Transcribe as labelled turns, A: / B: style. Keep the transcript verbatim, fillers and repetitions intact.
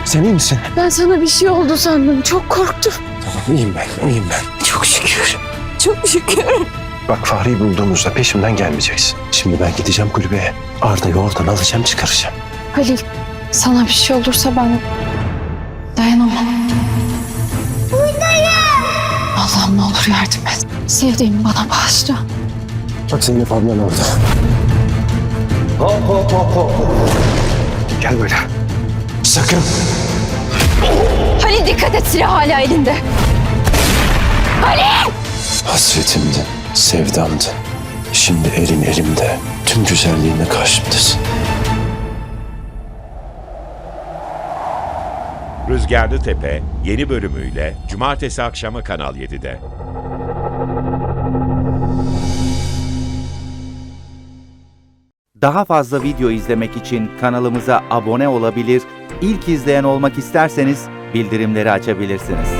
A: Sen iyi misin?
B: Ben sana bir şey oldu sandım. Çok korktum.
A: Tamam, iyiyim ben, iyiyim ben.
B: Çok şükür. Çok şükür.
A: Bak Fahri'yi bulduğumuzda peşimden gelmeyeceksin. Şimdi ben gideceğim kulübeye. Arda'yı oradan alacağım, çıkaracağım.
B: Halil, sana bir şey olursa ben dayanamam. Buradayım. Allah'ım ne olur yardım et. Sevdiğimi bana bağışla.
A: Bak Zeynep ablan orada. Hop hop hop hop. Gel böyle. Sakın.
B: Halil dikkat et, silah hala elinde. Halil!
A: Hasretimdin, sevdamdın. Şimdi elin elimde. Tüm güzelliğinle karşımdasın.
C: Rüzgarlı Tepe yeni bölümüyle Cumartesi akşamı Kanal yedide.
D: Daha fazla video izlemek için kanalımıza abone olabilir, ilk izleyen olmak isterseniz bildirimleri açabilirsiniz.